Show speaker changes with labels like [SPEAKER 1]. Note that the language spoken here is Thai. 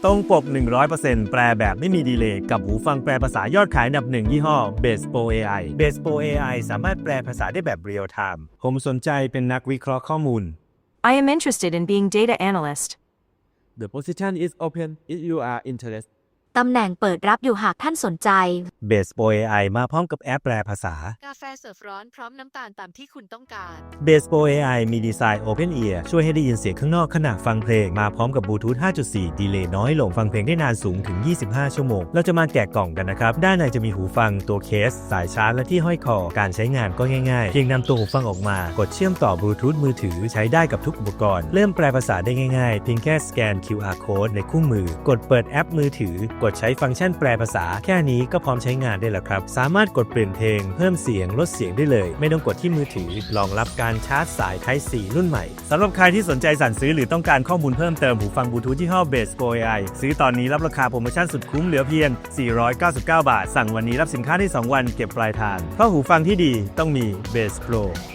[SPEAKER 1] ตรงปก 100% แปลแบบไม่มีดีเลย์กับหูฟังแปลภาษายอดขายอันดับ1ยี่ห้อ Bass Pro AI Bass Pro AI สามารถแปลภาษาได้แบบเรียลไทม์ผมสนใจเป็นนักวิเคราะห์ข้อมูล
[SPEAKER 2] I am interested in being data analyst.
[SPEAKER 3] The position is open if you are interested.
[SPEAKER 4] ตำแหน่งเปิดรับอยู่หากท่านสนใจ
[SPEAKER 1] Bass Pro AI มาพร้อมกับแอปแปลภาษา
[SPEAKER 5] กาแฟเสิร์ฟร้อนพร้อมน้ำตาลตามที่คุณต้องการ
[SPEAKER 1] Bass Pro AI มีดีไซน์ Open Ear ช่วยให้ได้ยินเสียงข้างนอกขณะฟังเพลงมาพร้อมกับบลูทูธ 5.4 ดีเลย์น้อยลงฟังเพลงได้นานสูงถึง 25 ชั่วโมง เราจะมาแกะกล่องกันนะครับ ด้านในจะมีหูฟังตัวเคส สายชาร์จและที่ห้อยคอ การใช้งานก็ง่ายๆ เพียงนำตัวหูฟังออกมากดเชื่อมต่อบลูทูธมือถือใช้ได้กับทุกอุปกรณ์ เริ่มแปลภาษาได้ง่ายๆ เพียงแค่สแกน QR Code ในคู่มือ กดเปิดแอปมือถือกดใช้ฟังก์ชันแปลภาษาแค่นี้ก็พร้อมใช้งานได้แล้วครับสามารถกดเปลี่ยนเพลงเพิ่มเสียงลดเสียงได้เลยไม่ต้องกดที่มือถือรองรับการชาร์จสาย Type C รุ่นใหม่สำหรับใครที่สนใจสั่งซื้อหรือต้องการข้อมูลเพิ่มเติมหูฟังบลูทูธยี่ห้อ Bass Pro AI ซื้อตอนนี้รับราคาโปรโมชั่นสุดคุ้มเหลือเพียง499 บาทสั่งวันนี้รับสินค้าที่2วันเก็บปลายทางเพราะหูฟังที่ดีต้องมี Bass Pro